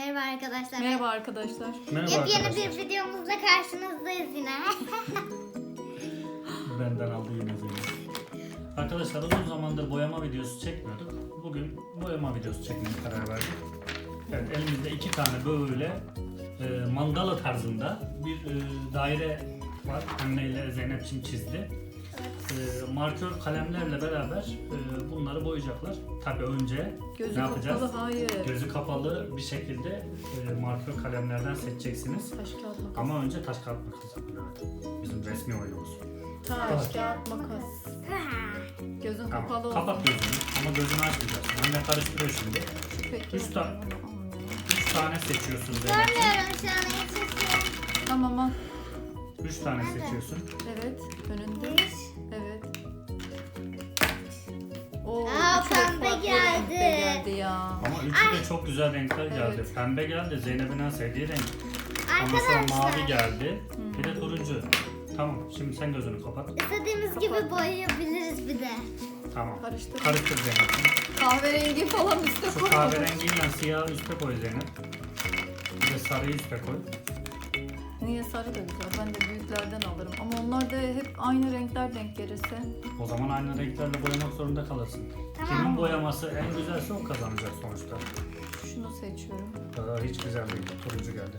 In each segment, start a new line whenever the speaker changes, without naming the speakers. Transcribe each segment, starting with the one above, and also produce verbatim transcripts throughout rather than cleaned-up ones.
Merhaba arkadaşlar.
Merhaba arkadaşlar.
Merhaba
Yepyeni
arkadaşlar.
bir videomuzla karşınızdayız yine.
Benden aldı yine Zeynep. Arkadaşlar uzun zamandır boyama videosu çekmiyorduk. Bugün boyama videosu çekmeye karar verdik. Evet, elimizde iki tane böyle e, mandala tarzında bir e, daire var. Anne ile Zeynep'ciğim çizdi. E, markör kalemlerle beraber e, bunları boyayacaklar. Tabii önce
Gözü
ne yapacağız?
kapalı, hayır.
Gözü kapalı bir şekilde e, markör kalemlerden seçeceksiniz.
Taş kağıt makas.
Ama önce taş kağıt makas yapın, evet. Bizim resmi oyunumuz.
Taş kağıt makas. Gözün
Tamam.
kapalı olsun.
Kapat gözünü ama gözünü açmayacaksın. Anne karıştırıyor şimdi.
Peki.
Üç tane. Üç tane seçiyorsun Zeynep.
Görmüyorum şu an yetişiyorum.
Tamam al.
Üç tane
Nerede?
seçiyorsun.
Evet. Önünde.
Bir.
Evet. Oo,
Aa,
çok
pembe
farklı
geldi.
renkte geldi ya.
Ama üçü de çok güzel renkler geldi.
Evet.
Pembe geldi, Zeynep'in en sevdiği renk. Ondan sonra
Arkadaşlar
mavi geldi. Bir de turuncu. Tamam, şimdi sen gözünü kapat.
istediğimiz gibi boyayabiliriz bir de.
Tamam.
Karıştır.
Karıştır Zeynep'ciğim.
Kahverengi falan üstte
Şu
koy.
kahverengiyle siyahı üste koy Zeynep. Bir de sarıyı üste koy.
Niye sarı da güzel. Ben de büyüklerden alırım. Ama onlar da hep aynı renkler denk gelirse.
O zaman aynı renklerle boyamak zorunda kalırsın.
Tamam.
Kimin boyaması en güzelse o kazanacak sonuçta.
Şunu seçiyorum.
Aa, hiç güzel değil. Turuncu geldi.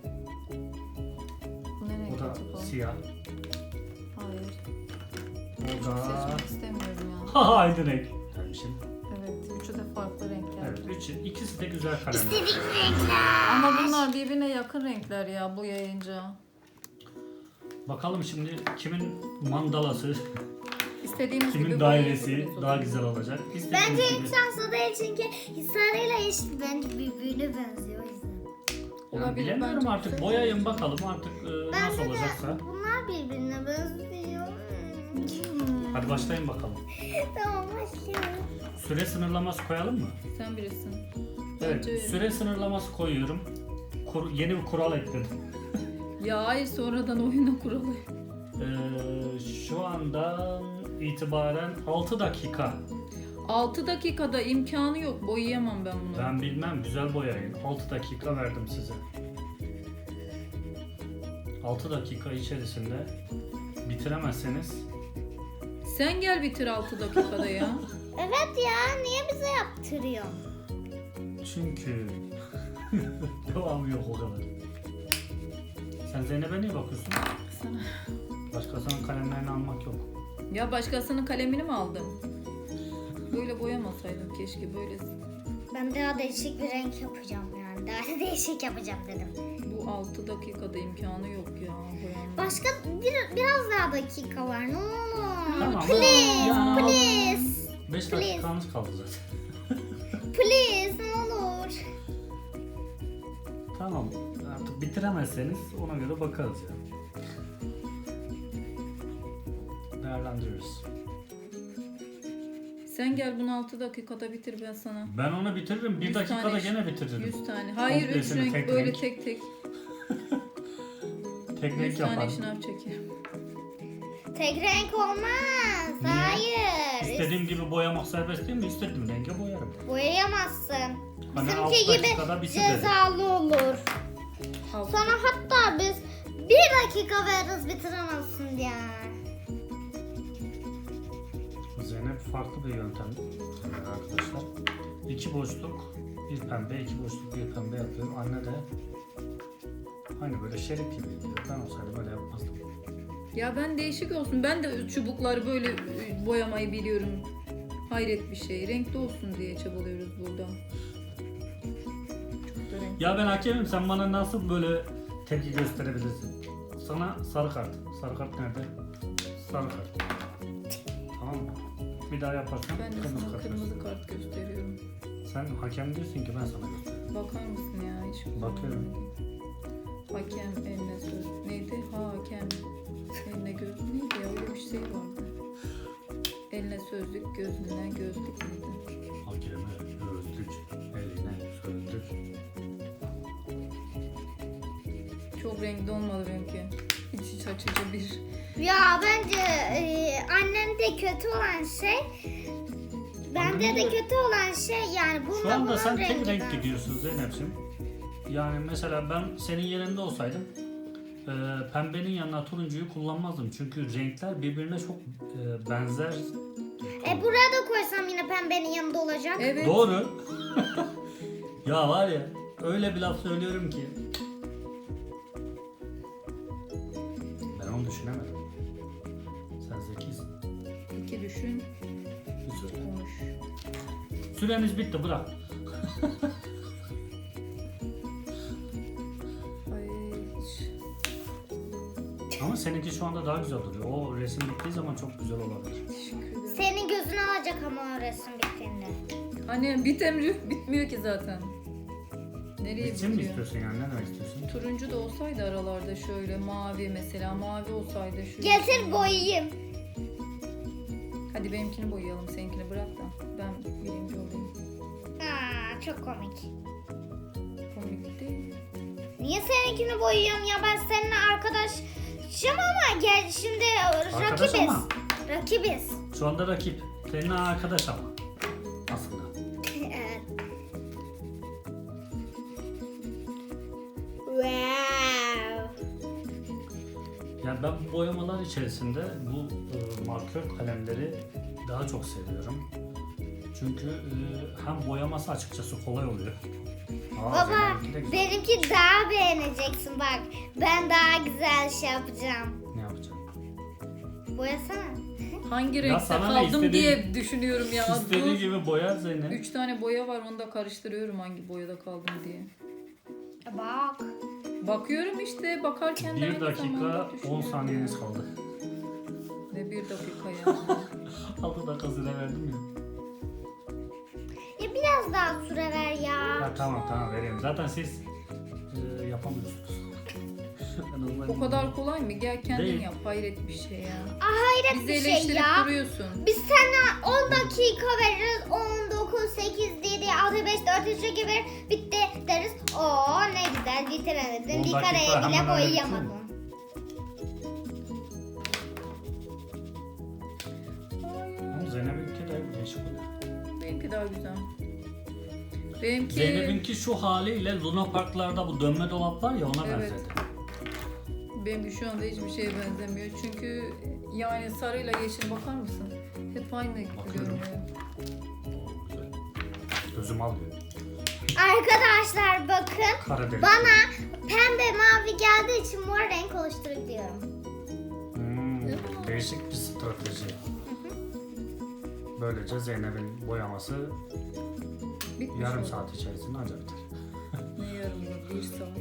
Bu ne renk
Bu da
acaba?
siyah.
Hayır.
O
Hiç
da...
seçmek istemiyorum ya.
Ha aynı renk. Demişim.
Evet. Üçü de farklı renkler.
Evet, üçü, ikisi de güzel kalemler.
İstedik renkler.
Ama bunlar birbirine yakın renkler ya bu yayınca.
Bakalım şimdi kimin mandalası,
İstediğimiz gibi
kimin dairesi
boyayabiliriz
daha
onu.
güzel olacak. İstediğimiz
Bence
gibi.
hiç şanslı değil çünkü sarıyla eşit bence birbirine benziyor o yüzden.
Yani
Olabilir,
bilemiyorum
bence
artık.
güzel.
Boyayın bakalım artık e, nasıl
Bence
olacaksa.
de bunlar birbirine benziyor. Hmm.
Hadi başlayın bakalım.
Tamam başlayalım.
Süre sınırlaması koyalım mı?
Sen birisin.
Evet,
Bence öyle.
süre sınırlaması koyuyorum. Kur- yeni bir kural ekledim.
Ya hayır sonradan oyuna kuralı.
Ee, şu andan itibaren altı dakika.
altı dakikada imkanı yok. Boyayamam ben bunu.
Ben bilmem, güzel boyayın. altı dakika verdim size. altı dakika içerisinde bitiremezseniz
Sen gel bitir altı dakikada ya.
Evet ya niye bize yaptırıyor?
çünkü devamı yok o kadar. Sen Zeynep'e niye bakıyorsun?
Sana.
Başkasının kalemlerini almak yok.
Ya başkasının kalemini mi aldın? Böyle boyamasaydım keşke böyle.
Ben daha değişik bir renk yapacağım yani. Daha değişik yapacağım dedim.
Bu altı dakikada imkanı yok ya boyanma.
Başka bir, biraz daha dakika var ne olur.
Tamam.
Please,
Ya.
please,
beş dakikanız kaldı zaten.
please ne olur.
Tamam. Artık bitiremezseniz ona göre bakarız ya. Değerlendiririz.
Sen gel bunu altı dakikada bitir ben sana.
Ben onu bitiririm. Bir
yüz
dakikada
tane-
gene bitiririm.
yüz tane. Hayır üç
Komplesini
renk
tek
böyle
renk.
tek tek.
Tek
yüz
renk
tane
yaparım.
şınav çekerim.
Tek renk olmaz.
Niye?
Hayır.
İstediğim gibi boyamak serbest değil mi? İstediğim renge boyarım.
Boyayamazsın.
Hani
Bizimki
altı
gibi
dakikada bitir dedim.
cezalı olur.
Altı.
Sana hatta biz bir dakika veririz bitiremezsin diye.
Zeynep farklı bir yöntem arkadaşlar. İki boşluk, bir pembe, iki boşluk, bir pembe yapıyorum. Anne de hani böyle şerit gibi yapıyor. Ben olsaydım böyle yapmazdım.
Ya ben değişik olsun. Ben de çubukları böyle e, boyamayı biliyorum. Hayret bir şey. Renkli olsun diye çabalıyoruz burada. Çok da renkli.
Ya ben hakemim, sen bana nasıl böyle tepki gösterebilirsin? Sana sarı kart. Sarı kart nerede? Sarı kart. Tamam mı? Bir daha yaparsan
Ben de
kırmızı
sana
kart
kırmızı
göster.
kart gösteriyorum.
Sen hakem diyorsun ki ben sana göstereyim.
Bakar mısın ya? Hiç
Bakıyorum.
Hakem eline söz. Neydi? Hakem eline göz. Neydi ya? Öyle bir şey vardı. Eline sözlük, gözüne gözlük miydi?
Hakeme gözlük, eline sözlük.
Çok renkli olmadı benimki. İç iç açıcı bir.
Ya bence e, annemde kötü olan şey bende de
Annemde-
kötü olan şey yani bununla
Şu anda
bunun
sen tek
rengi
renk
benziyor.
gidiyorsun Zeynep'ciğim. Yani mesela ben senin yerinde olsaydım e, pembenin yanına turuncuyu kullanmazdım. Çünkü renkler birbirine çok e, benzer.
E buraya da koysam yine pembenin yanında olacak.
Evet.
Doğru. Ya var ya öyle bir laf söylüyorum ki. Ben onu düşünemedim. Sen zekisin.
İki düşün,
Güzel.
konuş.
Süremiz bitti, bırak.
Ay hiç.
Ama seninki şu anda daha güzel duruyor. O resim bittiği zaman çok güzel olabilir.
Teşekkür ederim.
Senin gözünü alacak ama o resim bittiğinde.
Anne bitemri bitmiyor ki zaten. Nereye
Bitsin mi
bitiyor?
istiyorsun yani? Ne demek istiyorsun?
Turuncu da olsaydı aralarda şöyle mavi mesela mavi olsaydı şu.
Getir boyayayım.
Hadi benimkini boyayalım, seninkini bırak da ben birinci olayım.
Aa, çok komik.
Komik değil.
Niye seninkini boyuyorum ya, ben seninle arkadaşım ama gel şimdi
Arkadaş
rakibiz.
ama.
Rakibiz.
Şu anda rakip. Senin arkadaş ama. Aslında.
Evet. Wow.
Yani ben bu boyamalar içerisinde bu e, markör kalemleri daha çok seviyorum. Çünkü e, hem boyaması açıkçası kolay oluyor. Aa,
Baba
Zeynep'inki de güzel.
benimki daha beğeneceksin bak. Ben daha güzel şey yapacağım.
Ne yapacağım?
Boyasana.
Hangi
Ya
renkte
sana ne,
kaldım
istediğin-
diye düşünüyorum ya.
İstediği
Dur.
gibi boyar Zeynep.
Üç tane boya var, onu da karıştırıyorum hangi boyada kaldım diye.
Bak.
Bakıyorum işte, bakarken de
Bir
aynı
dakika
zamanda
on
düşünüyorum.
saniyeniz kaldı.
Ne bir dakika ya.
altı dakika süre verdim ya.
Ya biraz daha süre ver ya.
Ya tamam tamam vereyim. Zaten siz e, yapamıyorsunuz. En azından
O kadar kolay mı? Gel kendin
Değil.
yap. Hayret bir şey ya.
Aa, hayret
Bizi
bir şey
eleştirip
ya.
duruyorsun.
Biz sana on dakika veririz. on, dokuz, sekiz, yedi, altı, beş, dört, üç, iki, bir bitti deriz. Oo ne güzel bitiremedin.
on
Bir
dakika
kareye
hemen
bile
öyle
boyayamadın.
Ama Zeynep'inki de değişik oluyor.
Benimki daha güzel. Benimki...
Zeynep'inki şu haliyle Luna Parklarda bu dönme dolap var ya ona
Evet.
benzedi.
Benimki şu anda hiçbir şeye benzemiyor. Çünkü yani sarıyla yeşil bakar mısın? Hep aynı
Bakıyorum.
görünüyor.
Oo, güzel. Gözüm alıyor.
Arkadaşlar bakın.
Karadeniz.
Bana pembe mavi geldiği için mor renk oluşturabiliyorum.
Hmm, değişik bir strateji. Böylece Zeynep'in boyaması
Bitmiş
yarım
oldu.
saat içerisinde ancak biter.
Ne yarım da? Bir saat.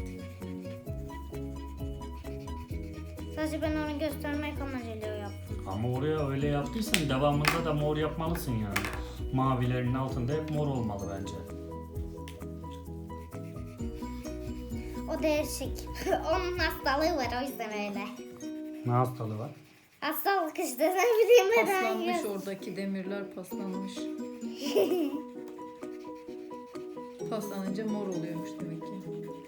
Sadece ben onu göstermek amacıyla yaptım.
Ama oraya öyle yaptıysan devamında da mor yapmalısın yani. Mavilerin altında hep mor olmalı bence.
O değişik. Onun hastalığı var o yüzden öyle.
Ne hastalığı var?
Hastalık işte ne bileyim ben.
Paslanmış
hangi-
oradaki demirler paslanmış. Paslanınca mor oluyormuş demek ki.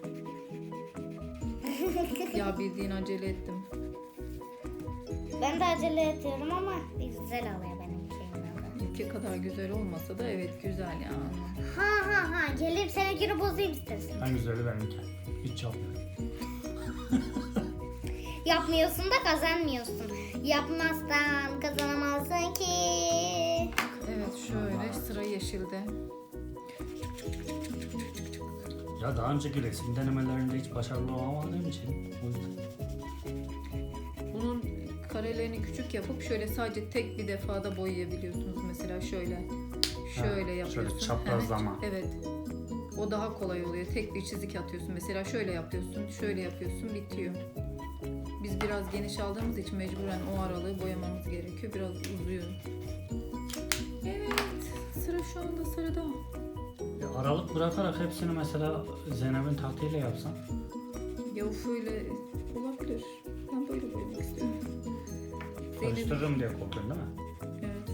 Ya bildiğin acele ettim.
Ben de acele ediyorum ama güzel oluyor benimki.
Ülke kadar güzel olmasa da evet güzel yani.
Ha ha ha gelip seninkini bozayım istersen.
En güzeli benimki. Hiç yapmıyorum.
Yapmıyorsun da kazanmıyorsun. Yapmazsan kazanamazsın ki.
Evet şöyle sıra yeşilde.
Ya daha önceki resim denemelerinde hiç başarılı olamadığım için o yüzden.
Bunun karelerini küçük yapıp şöyle sadece tek bir defada boyayabiliyorsunuz. Mesela şöyle. Şöyle
Ha,
yapıyorsun.
şöyle çaprazlama.
Evet. O daha kolay oluyor. Tek bir çizik atıyorsun. Mesela şöyle yapıyorsun, şöyle yapıyorsun, bitiyor. Biz biraz geniş aldığımız için mecburen o aralığı boyamamız gerekiyor. Biraz uzuyor. Evet. Sıra şu anda sarıda.
Ya aralık bırakarak hepsini mesela Zeynep'in taktiğiyle yapsan.
Ya uf öyle olabilir. Ben böyle boyamak istiyorum. Zeynep-
Karıştırırım diye korkuyorsun değil mi?
Evet.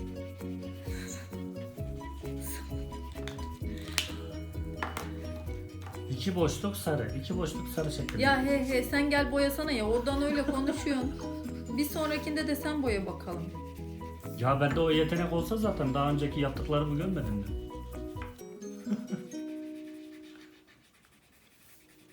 İki boşluk sarı, iki boşluk sarı şeklinde.
Ya he he sen gel boyasana ya. Oradan öyle konuşuyorsun. Bir sonrakinde de sen boya bakalım.
Ya bende o yetenek olsa zaten daha önceki yaptıklarımı görmedin mi?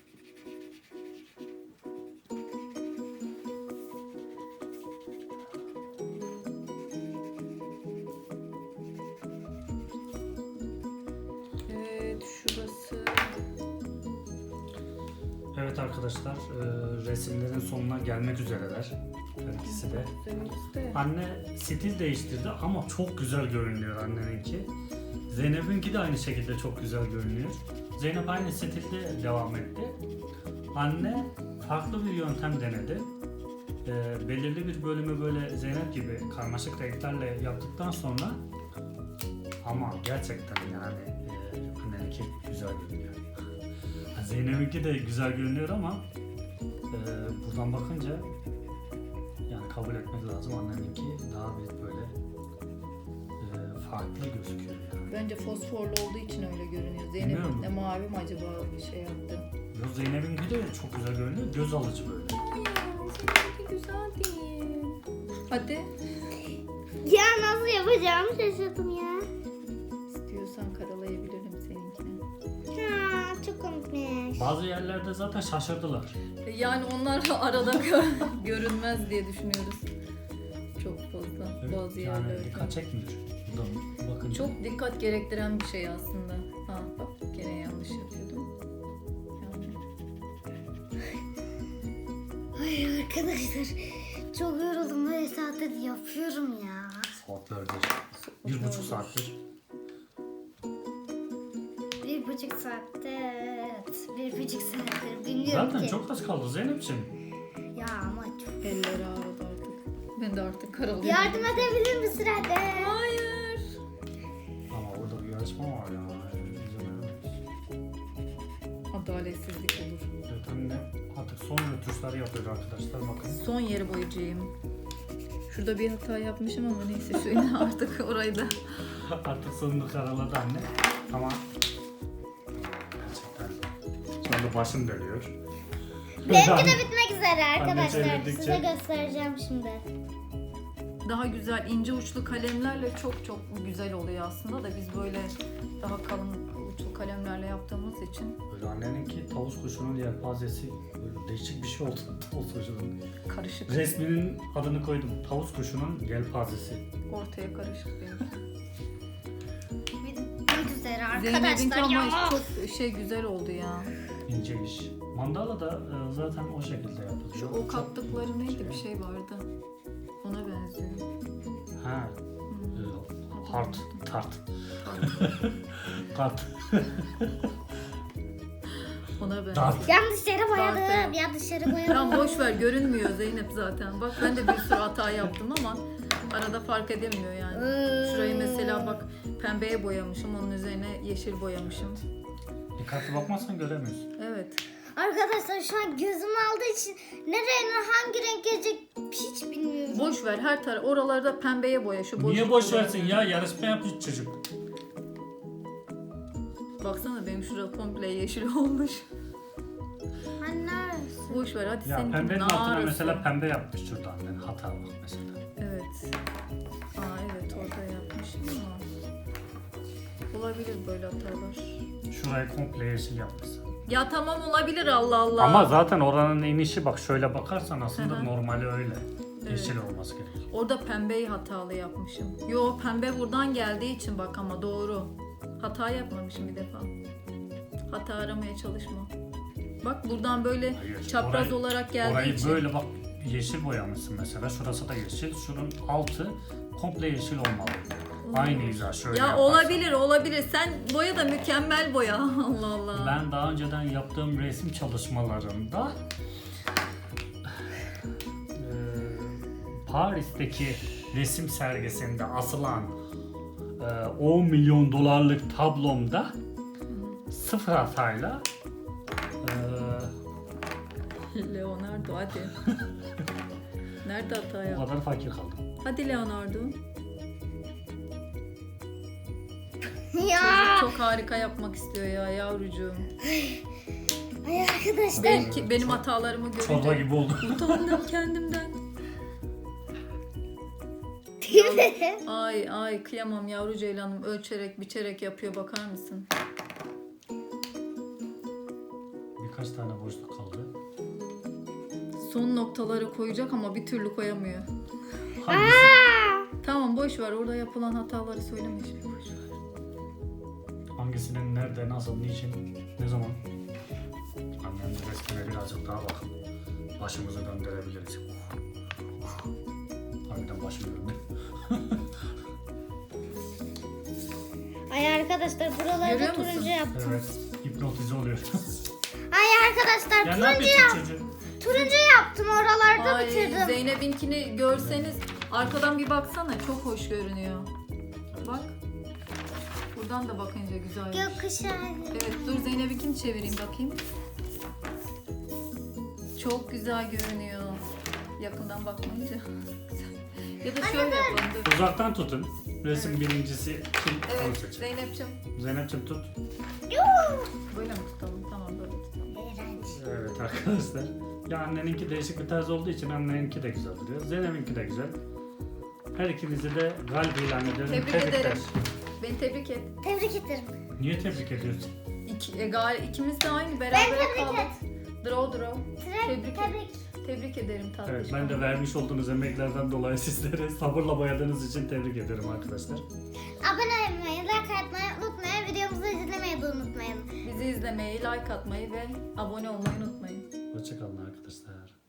Evet arkadaşlar, e, resimlerin sonuna gelmek üzereler. Her ikisi de.
Üzerimizde.
Anne stil değiştirdi ama çok güzel görünüyor anneninki. Zeynep'inki de aynı şekilde çok güzel görünüyor. Zeynep aynı stilde devam etti. Anne farklı bir yöntem denedi. E, belirli bir bölümü böyle Zeynep gibi karmaşık renklerle yaptıktan sonra ama gerçekten yani e, anneninki güzel görünüyor. Zeynep'inki de güzel görünüyor ama e, buradan bakınca yani kabul etmek lazım, anneninki daha bir böyle e, farklı gözüküyor yani.
Bence fosforlu olduğu için öyle görünüyor.
Bilmiyorum.
Zeynep'in de mavi mi acaba bir şey yaptı?
Yo, Zeynep'inki de çok güzel görünüyor, göz alıcı böyle.
Hayır, seninki güzel değil. Hadi.
Ya nasıl yapacağımı şaşırdım ya.
İstiyorsan karalayabilirim seninkini.
Ha, çok komikmiş.
Bazı yerlerde zaten şaşırdılar.
Yani onlar arada gö- görünmez diye düşünüyoruz. Çok fazla
Evet,
bazı
yani
yerlerde.
dikkat çekmiyor. Buradan bakınca.
Çok dikkat gerektiren bir şey aslında. Ha bak gene yanlış yapıyordum. Yani.
Ay arkadaşlar çok yoruldum, böyle saattir yapıyorum ya.
Saatlerdir. Bir buçuk saattir.
Bir buçuk saatte, evet. Bir buçuk saattir bilmiyorum
Zaten
ki.
çok az kaldı Zeynep'ciğim.
Ya ama çok.
Elleri ağrıdı artık. Ben de artık karalıyorum.
Yardım edebilir misin hadi?
Hayır.
Ama orada bir yarışma var ya. İzin veremeyiz.
Adaletsizlik olur.
Evet, anne artık son rötuşları yapıyor arkadaşlar, bakın.
Son yeri boyayacağım. Şurada bir hata yapmışım ama neyse şöyle artık orayı da.
Artık sonunu karaladı anne. Ama gerçekten şu anda başım dönüyor.
Benimki de bitmek üzere arkadaşlar.
çevirdikçe-
Size göstereceğim şimdi.
Daha güzel ince uçlu kalemlerle çok çok güzel oluyor aslında da biz böyle daha kalın uçlu kalemlerle yaptığımız için
Böyle anneninki tavus kuşunun yelpazesi, böyle değişik bir şey oldu tavus kuşunun.
karışık.
Resminin adını koydum. Tavus kuşunun yelpazesi.
Ortaya karışık benim.
Bitmek üzere
Zeynep'inki
arkadaşlar ya.
ama çok şey güzel oldu ya.
İnce iş. Mandala da e, zaten o şekilde yapılıyor.
Şu o
Çok
kattıkları neydi
şey.
bir şey vardı. Ona benziyor.
Ha.
Hmm.
E, hart, tart.
Pardon.
Tart.
Ona benziyor.
Tart.
Yanlış yere boyadım.
Zaten.
Yanlış yere boyadım.
Tamam boş ver görünmüyor Zeynep zaten. Bak ben de bir sürü hata yaptım ama arada fark edemiyor yani. Şurayı mesela bak pembeye boyamışım, onun üzerine yeşil boyamışım.
Dikkatli bakmazsan göremiyorsun.
Evet.
Arkadaşlar şu an gözüm aldığı için nereye hangi renk gelecek hiç bilmiyorum.
Boş ver her taraf oralarda pembeye boya şu boş.
Niye boş versin ya? Yarışma yapmış çocuk.
Baksana benim şurada komple yeşil olmuş.
Hani neresi?
Boş ver hadi
Ya
seninki
pembenin altına
narısı.
mesela pembe yapmış şurada annen. Hata bak mesela.
Evet. Aa evet orada yapmışım ama. Olabilir böyle hatalar.
Şurayı komple yeşil yapmışsın.
Ya tamam olabilir Allah Allah.
Ama zaten oranın inişi bak şöyle bakarsan aslında
Hı hı.
normali öyle.
Evet.
Yeşil olması gerekiyor.
Orada pembeyi hatalı yapmışım. Yo pembe buradan geldiği için bak ama doğru. Hata yapmamışım bir defa. Hata aramaya çalışma. Bak buradan böyle
Hayır,
çapraz
orayı-
olarak geldiği
Orayı
için.
böyle bak yeşil boyamışsın mesela. Şurası da yeşil. Şunun altı komple yeşil olmalı. Aynı hiza şöyle
Ya
yaparsan.
olabilir olabilir. Sen boya da mükemmel boya. Allah Allah.
Ben daha önceden yaptığım resim çalışmalarında eee, Paris'teki resim sergisinde asılan eee, on milyon dolarlık tablomda sıfır hatayla eee,
Leonardo hadi. Nerede hata
o
yaptın?
kadar fakir kaldım.
Hadi Leonardo.
Ya.
Çok harika yapmak istiyor ya yavrucuğum.
Ay arkadaşlar.
Belki benim hatalarımı
Çorba
görünce
gibi oldu.
utandım kendimden. Ay ay kıyamam yavru ceylanım ölçerek biçerek yapıyor bakar mısın?
Birkaç tane boşluk kaldı.
Son noktaları koyacak ama bir türlü koyamıyor.
Hangisi?
Tamam boş ver orada yapılan hataları söyleme şimdi boş ver.
Hangisinin nerede, nasıl, niçin, ne zaman? Annem resmine biraz Daha bak. Başımızı döndürebiliriz. Harbiden başım döndü.
Ay arkadaşlar buraları
Görüyor
da turuncu
musun?
yaptım.
Evet. Hipnotize oluyor.
Ay arkadaşlar
ya ne
turuncu
yapıyorsun
yap.
çocuğum?
Turuncu yaptım oralarda
Ay,
bitirdim.
Zeynep'inkini görseniz arkadan bir baksana, çok hoş görünüyor. Bak. Buradan da bakınca güzel.
Gökkuşağı.
Evet, dur Zeynep'inkini çevireyim bakayım. Çok güzel görünüyor. Yakından bakmayınca. ya da şöyle yapalım. Dur.
Uzaktan tutun. Resim birincisi kim? Onu
Evet,
seçin.
Zeynep'ciğim.
Zeynep'ciğim tut.
Böyle mi tutalım? Tamam, böyle tutalım.
İğrenç.
Evet arkadaşlar. Ya anneninki değişik bir tarz olduğu için anneninki de güzel duruyor. Zeynep'inki de güzel. Her ikinizi de galip ilan ediyorum.
Tebrik
Tebrikler.
ederim. Beni tebrik et.
Tebrik ederim.
Niye tebrik ediyorsun?
İki, e, gal, ikimiz de aynı
Ben
beraber
tebrik
kaldık.
et.
Draw draw.
Tebrik.
Tebrik,
Tebrik.
tebrik ederim tatlım.
Evet, ben de vermiş olduğunuz emeklerden dolayı sizlere sabırla boyadığınız için tebrik ederim arkadaşlar.
Abone olmayı, like atmayı unutmayın. Videomuzu izlemeyi de unutmayın.
Bizi izlemeyi, like atmayı ve abone olmayı unutmayın.
Hoşçakalın arkadaşlar.